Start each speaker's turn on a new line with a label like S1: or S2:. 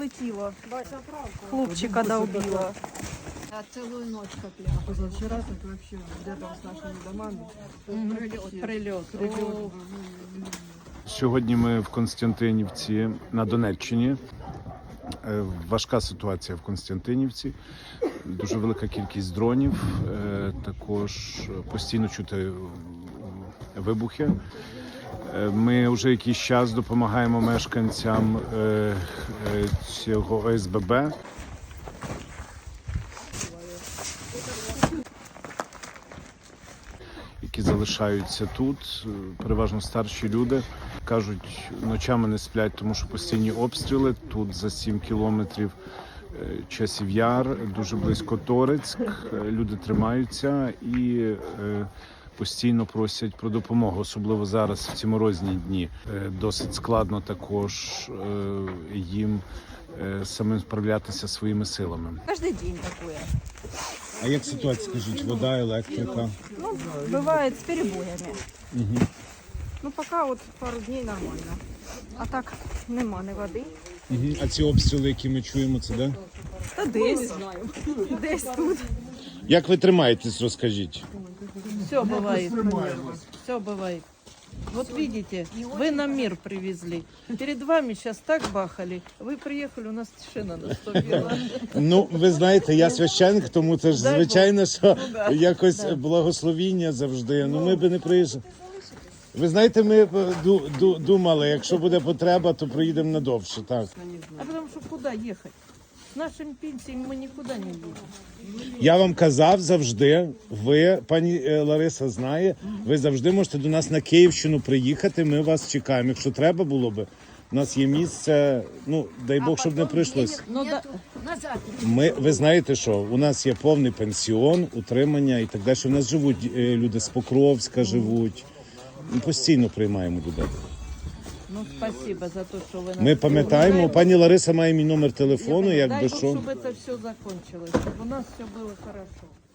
S1: прилетіло. Хлопчика довбило.
S2: А целую ночь как лягу.
S3: Позавчера так вообще рядом с нашими домами.
S2: Прилет.
S4: Сьогодні ми в Костянтинівці на Донеччині. Важка ситуація в Костянтинівці. Дуже велика кількість дронів. Також постійно чути вибухи. Ми вже якийсь час допомагаємо мешканцям цього ОСББ. Які залишаються тут, переважно старші люди. Кажуть, ночами не сплять, тому що постійні обстріли. Тут за 7 кілометрів Часів Яр, дуже близько Торецьк. Люди тримаються і постійно просять про допомогу, особливо зараз, в ці морозні дні. Досить складно також їм самим справлятися своїми силами.
S1: Кожен день таке.
S4: А як ситуація, скажіть, вода, електрика?
S1: Ну, бывает с перебоями.
S4: Угу.
S1: Ну, пока от пару днів нормально. А так нема ні води.
S4: Угу. А ці обстріли, які ми чуємо, це де?
S1: Та десь. Десь тут.
S4: Як ви тримаєтесь, розкажіть?
S5: Все бывает. Все бывает. Вот видите, вы нам мир привезли. Перед вами сейчас так бахали. Вы приехали, у нас тишина наступила.
S4: Ну, ви знаєте, я священник, тому це ж
S5: Дай
S4: звичайно, що
S5: да.
S4: якось
S5: Да.
S4: благословіння завжди. Ну, ми би не приїжджали. Ви знаєте, ми думали, якщо буде потреба, то приїдемо надовше, так.
S5: А потому что куда ехать? С нашими пенсиями мы никуда не едем.
S4: Я вам казав завжди, ви, пані Лариса знає, ви завжди можете до нас на Київщину приїхати, ми вас чекаємо. Якщо треба було би, у нас є місце, ну, дай Бог, щоб не прийшлось.
S5: Ну, да.
S2: Назад.
S4: Ви знаєте що, у нас є повний пенсіон, утримання і так далі. У нас живуть люди з Покровська, живуть. Ми постійно приймаємо людей.
S5: Ну, спасибо за то, что вы нас...
S4: Ми пам'ятаємо, пані Лариса має мій номер телефону,
S5: Дай
S4: якби
S5: Бог,
S4: що.
S5: чтобы это все закончилось, чтобы у нас все было хорошо.